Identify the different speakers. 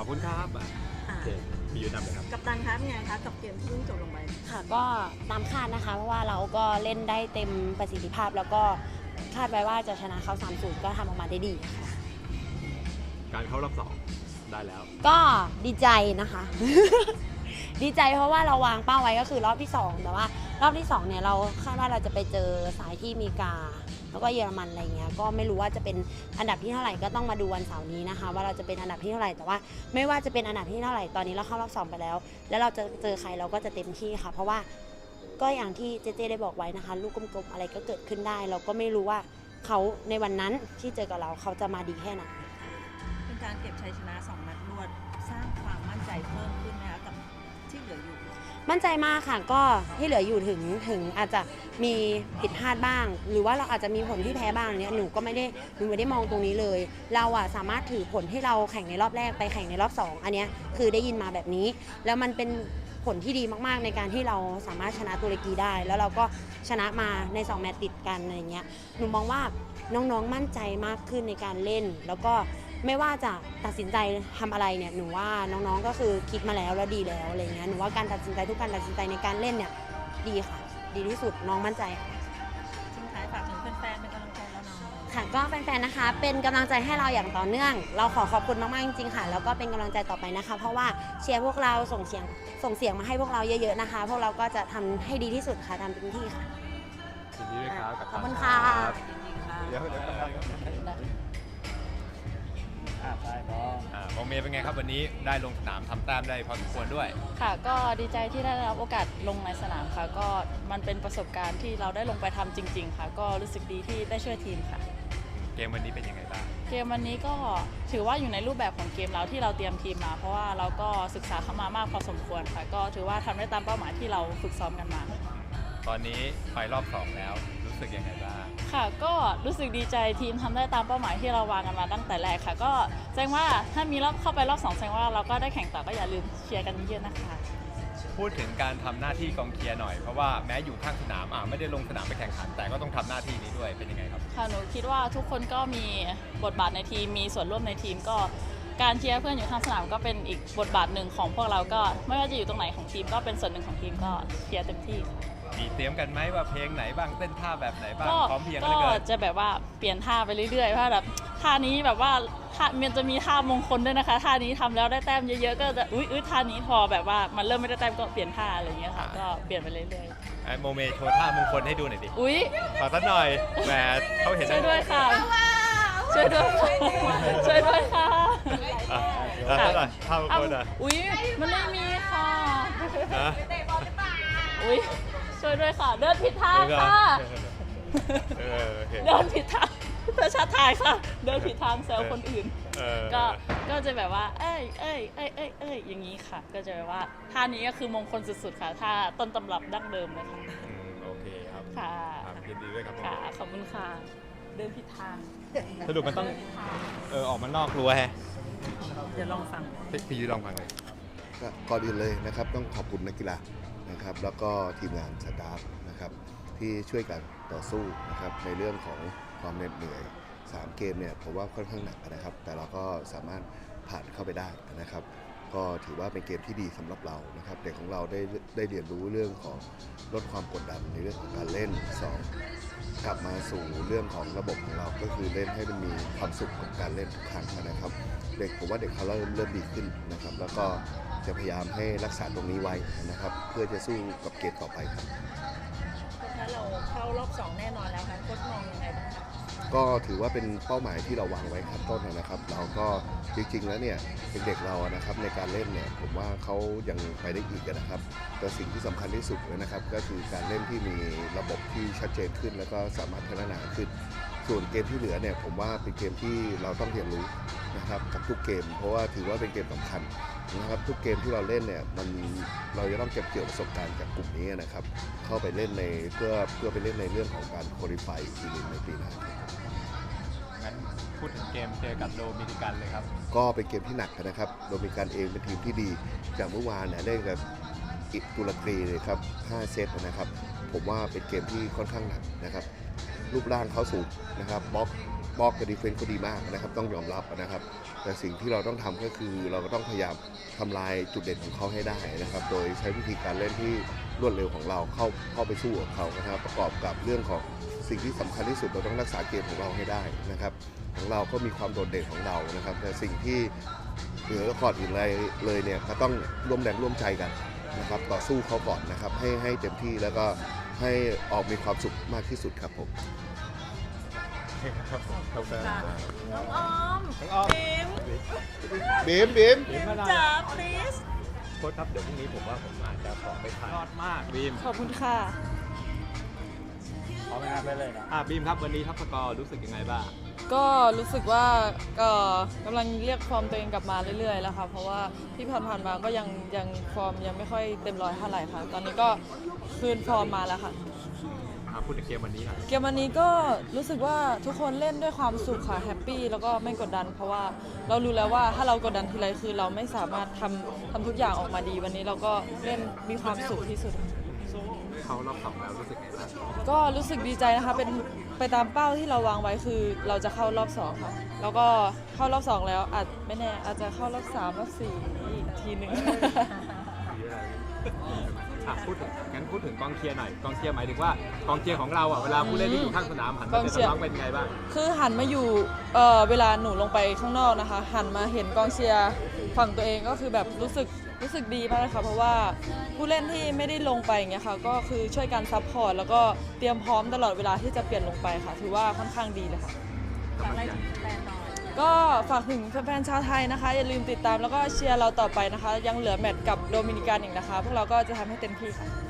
Speaker 1: อบคุณครับโอเคพี่ยุ้ยนำเลยครับ
Speaker 2: กัปตันครับเป็นไงครับกับเกมที่เพิ่งจบลงไป
Speaker 3: ค่ะก็ตามคาดนะคะเพราะว่าเราก็เล่นได้เต็มประสิทธิภาพแล้วก็คาดไว้ว่าจะชนะเขา 3-0 ก็ทำออกมาได้ดีค่ะ
Speaker 1: การเข้ารอบ2ได้แล้ว
Speaker 3: ก็ดีใจนะคะ ดีใจเพราะว่าเราวางเป้าไว้ก็คือรอบที่2แต่ว่ารอบที่2เนี่ยเราคาดว่าเราจะไปเจอสายที่อเมริกาแล้วก็เยอรมันอะไรเงี้ยก็ไม่รู้ว่าจะเป็นอันดับที่เท่าไหร่ก็ต้องมาดูวันเสาร์นี้นะคะว่าเราจะเป็นอันดับที่เท่าไหร่แต่ว่าไม่ว่าจะเป็นอันดับที่เท่าไหร่ตอนนี้เราเข้ารอบ2ไปแล้วแล้วเราจะเจอใครเราก็จะเต็มที่ค่ะเพราะว่าก็อย่างที่เจเจได้บอกไว้นะคะลูกกลมๆอะไรก็เกิดขึ้นได้เราก็ไม่รู้ว่าเขาในวันนั้นที่เจอกับเราเขาจะมาดีแค่ไหน
Speaker 2: เป็นการเก็บชัยชนะ2 นัดรวดสร้างความมั่นใจเพิ่มขึ้นนะคะกับที่เหลืออยู่
Speaker 3: มั่นใจมากค่ะก็ที่เหลืออยู่ถึงอาจจะมีผิดพลาดบ้างหรือว่าเราอาจจะมีผลที่แพ้บ้างเนี่ยหนูไม่ได้มองตรงนี้เลยเราอะสามารถถือผลที่เราแข่งในรอบแรกไปแข่งในรอบ2อันนี้คือได้ยินมาแบบนี้แล้วมันเป็นผลที่ดีมากๆในการที่เราสามารถชนะตุรกีได้แล้วเราก็ชนะมาใน2 แมตช์ติดกันอะไรเงี้ยหนูมองว่าน้องๆมั่นใจมากขึ้นในการเล่นแล้วก็ไม่ว่าจะตัดสินใจทำอะไรเนี่ยหนูว่าน้องๆก็คือคิดมาแล้วดีแล้วอะไรเงี้ยหนูว่าการตัดสินใจทุกการตัดสินใจในการเล่นเนี่ยดีค่ะดีที่สุดน้องมั่นใจค่ะ
Speaker 2: ทิ้งท้ายฝากถึงแฟนๆเป็นกำลังใจแล้วน้อง
Speaker 3: ค่ะก็แฟนๆนะคะเป็นกำลังใจให้เราอย่างต่อเนื่องเราขอบคุณมากๆจริงๆค่ะแล้วก็เป็นกำลังใจต่อไปนะคะเพราะว่าเชียร์พวกเราส่งเสียงมาให้พวกเราเยอะๆนะคะพวกเราก็จะทำให้ดีที่สุดค่ะทำเต็มที่ค่ะ
Speaker 1: ยินดีด้วยครับ
Speaker 3: ขอบคุณค่ะ
Speaker 1: เดี๋ยวมองเมย์เป็นไงครับวันนี้ได้ลงสนามทำแต้มได้พอสมควรด้วย
Speaker 4: ค่ะก็ดีใจที่ได้รับโอกาสลงในสนามค่ะก็มันเป็นประสบการณ์ที่เราได้ลงไปทำจริงๆค่ะก็รู้สึกดีที่ได้ช่วยทีมค่ะ
Speaker 1: เกมวันนี้เป็นยังไงบ้าง
Speaker 4: เกมวันนี้ก็ถือว่าอยู่ในรูปแบบของเกมเราที่เราเตรียมทีมมาเพราะว่าเราก็ศึกษาเข้ามามากพอสมควรค่ะก็ถือว่าทำได้ตามเป้าหมายที่เราฝึกซ้อมกันมา
Speaker 1: ตอนนี้ไปรอบ2แล้วรู้สึกยังไงบ้าง
Speaker 4: ค่ะก็รู้สึกดีใจทีมทำได้ตามเป้าหมายที่เราวางกันมาตั้งแต่แรกค่ะก็แสดงว่าถ้ามีรอบเข้าไปรอบ2แสดงว่าเราก็ได้แข่งต่อก็อย่าลืมเชียร์กันเยอะๆนะคะ
Speaker 1: พูดถึงการทำหน้าที่กองเชียร์หน่อยเพราะว่าแม้อยู่ข้างสนามไม่ได้ลงสนามไปแข่งขันแต่ก็ต้องทำหน้าที่นี้ด้วยเป็นยังไงครับ
Speaker 4: ค่ะหนูคิดว่าทุกคนก็มีบทบาทในทีมมีส่วนร่วมในทีมก็การเชียร์เพื่อนอยู่ข้างสนามก็เป็นอีกบทบาทหนึ่งของพวกเราก็ไม่ว่าจะอยู่ตรงไหนของทีมก็เป็นส่วนหนึ่งของทีมก็เชียร์เต็มที่
Speaker 1: มีเตรียมกันไหมว่าเพลงไหนบ้างเต้นท่าแบบไหนบ้างพร้อมเพียงกัน
Speaker 4: ก็จะแบบว่าเปลี่ยนท่าไปเรื่อยๆเพราะแบบท่านี้แบบว่ามันจะมีท่ามงคลด้วยนะคะท่านี้ทำแล้วได้แต้มเยอะๆก็จะอุ๊ยท่านี้พอแบบว่ามันเริ่มไม่ได้แต้มก็เปลี่ยนท่าอะไรอย่างเงี้ยค่ะก็เปลี่ยนไปเรื่อย
Speaker 1: ๆโมเมโชว์ท่ามงคลให้ดูหน่อยดิ
Speaker 4: อุ๊ย
Speaker 1: ขอสักหน่อยแหมเขาเห็น
Speaker 4: ช่วยด้วยค่ะช่วยด้วยค่ะ
Speaker 1: ท่ามงคล
Speaker 4: อุ๊ยมันไม่มีค่ะอุ๊ยช่วยด้วยค่ะเดินผิดทางค่ะเดินผิดทางประชาทายค่ะเดินผิดทางแซวคนอื่นก็จะแบบว่าเอ้ยอย่างนี้ค่ะก็จะแบบว่าท่านี้ก็คือมงคลสุดๆค่ะท่าต้นตำรับดั้งเดิมเลยค่ะ
Speaker 1: โอเคครับ
Speaker 4: ค่ะ
Speaker 1: ยินดีด้วยครับ
Speaker 4: ค่ะขอบคุณค่ะเดินผิดทาง
Speaker 1: สรุปมันต้องออกมานอกรั้วแฮะ
Speaker 2: เดี๋ยวลองฟัง
Speaker 1: พี่ลองฟังเลย
Speaker 5: ก่อนอื่นเลยนะครับต้องขอบคุณนักกีฬานะครับแล้วก็ทีมงานสตาฟนะครับที่ช่วยกันต่อสู้นะครับในเรื่องของความเหน็ดเหนื่อย3 เกมเนี่ยผมว่าค่อนข้างหนักนะครับแต่เราก็สามารถผ่านเข้าไปได้นะครับก็ถือว่าเป็นเกมที่ดีสำหรับเรานะครับเด็กของเราได้เรียนรู้เรื่องของลดความกดดันในเรื่องของการเล่น2กลับมาสู่เรื่องของระบบของเราก็คือเล่นให้มันมีความสุขกับการเล่นทุกครั้งนะครับเด็กผมว่าเด็กเขาเริ่มดีขึ้นนะครับแล้วก็จะพยายามให้รักษาตรงนี้ไว้นะครับเพื่อจะสู้กับเกมต่อไปครับ
Speaker 2: ถ้าเราเข้ารอบ2แน่นอนแล้วค่ะโค้ชมองยังไงบ้างคะ
Speaker 5: ก็ถือว่าเป็นเป้าหมายที่เราวางไว้ครับต้นนะครับเราก็จริงๆแล้วเนี่ยเด็กๆเรานะครับในการเล่นเนี่ยผมว่าเขายังไปได้อีกนะครับแต่สิ่งที่สำคัญที่สุดเลยนะครับก็คือการเล่นที่มีระบบที่ชัดเจนขึ้นแล้วก็สามารถพัฒนาขึ้นส่วนเกมที่เหลือเนี่ยผมว่าเป็นเกมที่เราต้องเรียนรู้นะครับกับทุกเกมเพราะว่าถือว่าเป็นเกมสำคัญนะครับทุกเกมที่เราเล่นเนี่ยเราจะต้องเก็บเกี่ยวประสบการณ์จากกลุ่มนี้นะครับเข้าไปเล่นในเพื่อไปเล่นในเรื่องของการโคลิฟายอีกทีนึงในปีหน้า
Speaker 1: งั้นพูดถึงเกมเจอกับโดมินิกันเลยครับ
Speaker 5: ก็เป็นเกมที่หนักนะครับโดมินิกันเองเป็นทีมที่ดีจากเมื่อวานเนี่ยเล่นกับตุรกีเลยครับ5 เซตนะครับผมว่าเป็นเกมที่ค่อนข้างหนักนะครับรูปร่างเขาสูงนะครับบล็อกกับดีเฟนส์เขาดีมากนะครับต้องยอมรับนะครับแต่สิ่งที่เราต้องทำก็คือเราก็ต้องพยายามทำลายจุดเด่นของเขาให้ได้นะครับโดยใช้วิธีการเล่นที่รวดเร็วของเราเข้าไปสู้กับเขานะครับประกอบกับเรื่องของสิ่งที่สำคัญที่สุดเราต้องรักษาเกมของเราให้ได้นะครับของเราก็มีความโดดเด่นของเรานะครับแต่สิ่งที่เหนือก่อนอื่นเลยเนี่ยก็ต้องร่วมแรงร่วมใจกันนะครับต่อสู้เขาก่อนนะครับให้เต็มที่แล้วก็ให้ออกมีความสุขมากที่สุดครับผม
Speaker 1: ครับผมครับ
Speaker 2: ค่ะน้องออม
Speaker 1: น้องออม
Speaker 2: บิม
Speaker 5: บีม
Speaker 1: บีมมาหน่อย
Speaker 2: จ๋า please
Speaker 1: โค้ชครับเดี๋ยวพรุ่งนี้ผมว่าผมอาจจะขอไปถ่ายยอดมากบีม
Speaker 4: ขอบคุณค่ะ
Speaker 1: ขอไปงานไปเลยนะบีมครับวันนี้ทัพสกอร์รู้สึกยังไงบ้าง
Speaker 6: ก็รู้สึกว่าก็กำลังเรียกฟอร์มตัวเองกลับมาเรื่อยๆแล้วค่ะเพราะว่าที่ผ่านๆมาก็ยังฟอร์มยังไม่ค่อยเต็มร้อยเท่าไหร่ค่ะ ตอนนี้ก็คืนฟอร์มมาแล้วค่ะ
Speaker 1: พูดถึงเกมวันนี้หน่อย
Speaker 6: เกมวันนี้ก็รู้สึกว่าทุกคนเล่นด้วยความสุขค่ะแฮปปี้แล้วก็ไม่กดดัน เพราะว่าเรารู้แล้วว่าถ้าเรากดดันทีไรคือเราไม่สามารถทำทุกอย่างออกมาดีวันนี้เราก็เล่นมีความสุขที่สุด
Speaker 1: เขารอบสองแล้วรู้สึกไงบ้าง
Speaker 6: ก็รู้สึกดีใจนะคะเป็นไปตามเป้าที่เราวางไว้คือเราจะเข้ารอบ2ค่ะแล้วก็เข้ารอบ2แล้วอาจไม่แน่อาจจะเข้ารอบ3รอบ4อีกทีหนึ่ง
Speaker 1: พูดถึงกองเชียร์หน่อยกองเชียร์หมายถึงว่ากองเชียร์ของเราเวลาผู้เล่นที่อยู่ข้างสนามหันมาเตะน้องเป็นไงบ้าง
Speaker 6: คือหันมาอยู่เวลาหนูลงไปข้างนอกนะคะหันมาเห็นกองเชียร์ฝั่งตัวเองก็คือแบบรู้สึกดีมากเลยค่ะเพราะว่าผู้เล่นที่ไม่ได้ลงไปอย่างเงี้ยค่ะก็คือช่วยกันซัพพอร์ตแล้วก็เตรียมพร้อมตลอดเวลาที่จะเปลี่ยนลงไปค่ะถือว่าค่อนข้างดีเลยค่ะ
Speaker 2: ฝากอะไรถึงแฟนหน่อย
Speaker 6: ก็ฝากถึงแฟนๆชาวไทยนะคะอย่าลืมติดตามแล้วก็เชียร์เราต่อไปนะคะยังเหลือแมตช์กับโดมินิกันอีกนะคะพวกเราก็จะทำให้เต็มที่ค่ะ